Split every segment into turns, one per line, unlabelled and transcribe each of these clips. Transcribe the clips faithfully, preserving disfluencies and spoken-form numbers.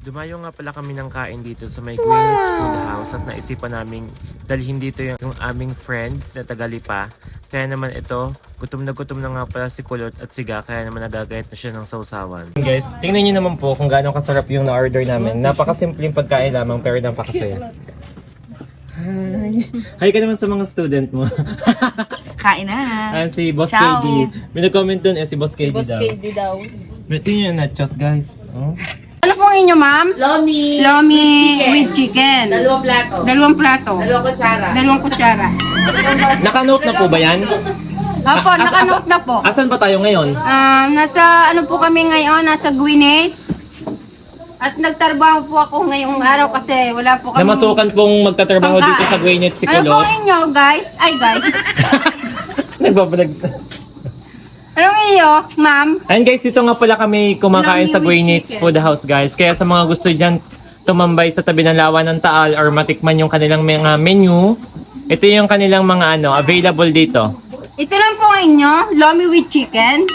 Dumayo nga pala kami ng kain dito sa may Greenwich Food House at naisipan namin dalhin dito yung, yung aming friends na tagalipa. Kaya naman ito, gutom na gutom na nga pala si Kulot at Siga, kaya naman nagagayat na siya ng sausawan. Guys, tingnan nyo naman po kung gaano kasarap yung na-order namin. Napakasimpleng pagkain lamang pero napakasaya. Hi! Hi ka naman sa mga student mo.
Kain na.
Ayan si Boss K
Ciao.
D. May nag-comment dun eh, si Boss K D
Boss
daw.
K D daw.
Tingnan nyo yung nachos guys. Oh.
Ano pong inyo, ma'am?
Lomi,
Lomi
with
with chicken.
Dalawang plato.
Dalawang plato.
Dalawang kutsara.
Dalawang kutsara.
Naka-note na po ba yan?
Opo,
As-
nakanote na po.
Asan ba tayo ngayon?
Ah, nasa ano po kami ngayon, nasa Greenwich. At nagtrabaho po ako ngayong araw kasi wala po kami.
Namasukan pong magtatrabaho dito sa Greenwich si
Ano
Kulot.
pong inyo, guys? Ay, guys.
Nagbabalag.
Anong iyo, ma'am?
And guys, dito nga pala kami kumakain
Lomi
sa
with
Greenwich
chicken.
Food House guys. Kaya sa mga gusto dyan tumambay sa tabi ng Lawa ng Taal or matikman yung kanilang mga menu, ito yung kanilang mga ano, available dito.
Ito lang po ang inyo, lomi with chicken.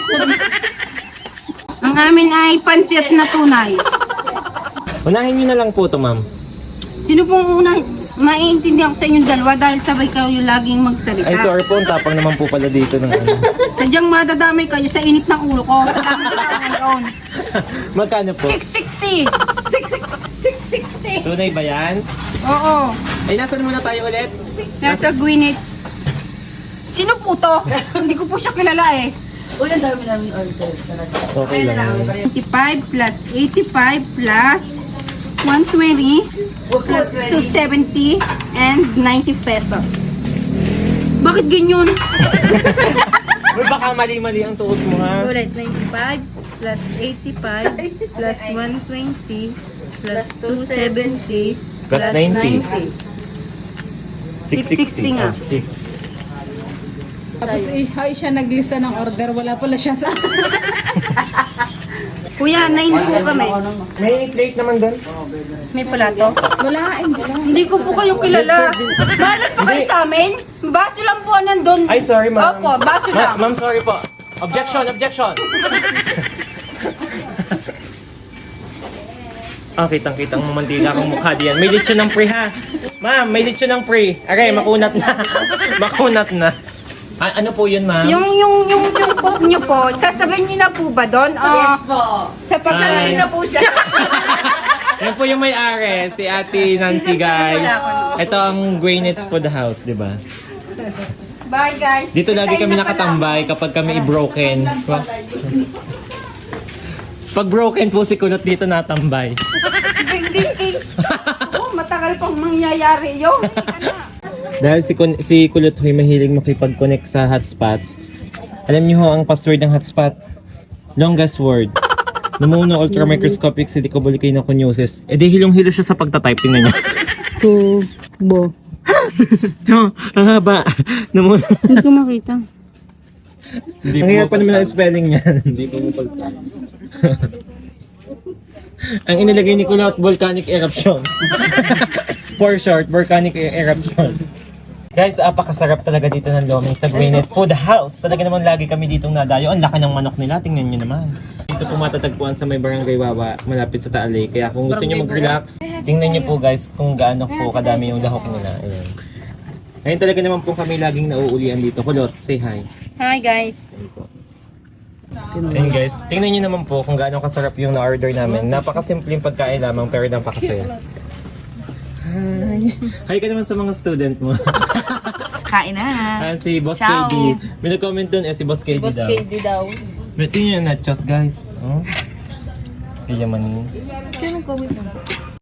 Ang amin ay pancit na tunay.
Unahin nyo na lang po ito, ma'am.
Sino pong una? Maiintindihan ko sa inyong dalawa dahil sabay kayo laging magsalita.
Ay, sorry po. Ang tapang naman po pala dito ng ano.
Sadyang madadamay kayo sa init ng ulo ko. Sa dami ko ngayon.
Magkano po?
six sixty! six sixty!
Tunay ba yan?
Oo.
Ay, nasan muna tayo ulit?
Nasa Greenwich. Sino po to? Hindi ko po siya kilala eh.
Uy, ang dami namin order talaga.
Okay lang.
twenty-five plus eighty-five plus one twenty plus two seventy and ninety pesos. Bakit ganyan?
Uy, baka mali-mali ang tuos mo ha.
Ulit, ninety-five plus eighty-five plus one twenty plus two seventy
Plus ninety.
six sixty nga.
Ah, six.
Tapos eh, ay, siya naglista ng order, wala pala siya sa...
Kuya, nine po kami.
May plate naman doon.
May plato.
Wala, hindi lang.
Hindi ko po kayo kilala. Balat po kayo sa amin? Baso lang po nandun.
Ay, sorry ma'am.
Opo, baso
Ma-
lang.
ma'am, sorry po. Objection, objection. Ah, kitang-kitang mamandila kang mukha diyan. May lechon ng pre ha. Ma'am, may lechon ng pre. Aray, makunat na. makunat na. A- ano po yun, ma'am?
Yung, yung, yung, yung coke nyo po, sasabihin nyo na po ba doon? Ah,
Yes po.
sa pasarin na po siya.
Yan po yung may-ari, si Ate Nancy, guys. Ito ang Greenwich Food House, di ba?
Bye guys.
Dito lagi
Kain
kami
na pala.
nakatambay kapag kami i-broken. Pag broken po si Kulot dito natambay.
Hindi eh. Oh, matagal pang mangyayari yun.
Dahil si, Kun- si Kulot Huy mahilig makipag-connect sa hotspot. Alam niyo ho ang password ng hotspot? Longest word. Numuno ultramicroscopic silicobulicinoconiosis. E di hilong-hilo siya sa pagtatype. Tingnan niyo.
Tubo.
No, ang haba. Numuno.
Hindi ko makita.
Ang hirap pa naman ang spelling niyan. Hindi ko mo Ang inilagay ni Kulot, volcanic eruption. For short, volcanic e- eruption. Guys, apakasarap talaga dito ng Lomi sa Greenwich Food House. Talaga naman lagi kami ditong nadayo. Ang laki ng manok nila, tingnan nyo naman. Dito po matatagpuan sa may barangay Wawa, malapit sa Taal Lake. Kaya kung gusto nyo mag-relax, tingnan nyo po guys kung gaano po kadami yung lahok nila. Ayan. Ngayon talaga naman po kami laging nauulian dito. Kulot, say hi.
Hi guys.
Ayun guys, tingnan nyo naman po kung gaano kasarap yung na-order namin. Napakasimpleng pagkain lamang pero napakasaya. Hi! Hi ka naman sa mga student mo.
Kain na.
Ayan si Boss
Ciao.
K D. May nag-comment dun eh, si Boss K D
Boss
daw.
K D daw.
May tingnan yung nachos guys. Oh. Kaya man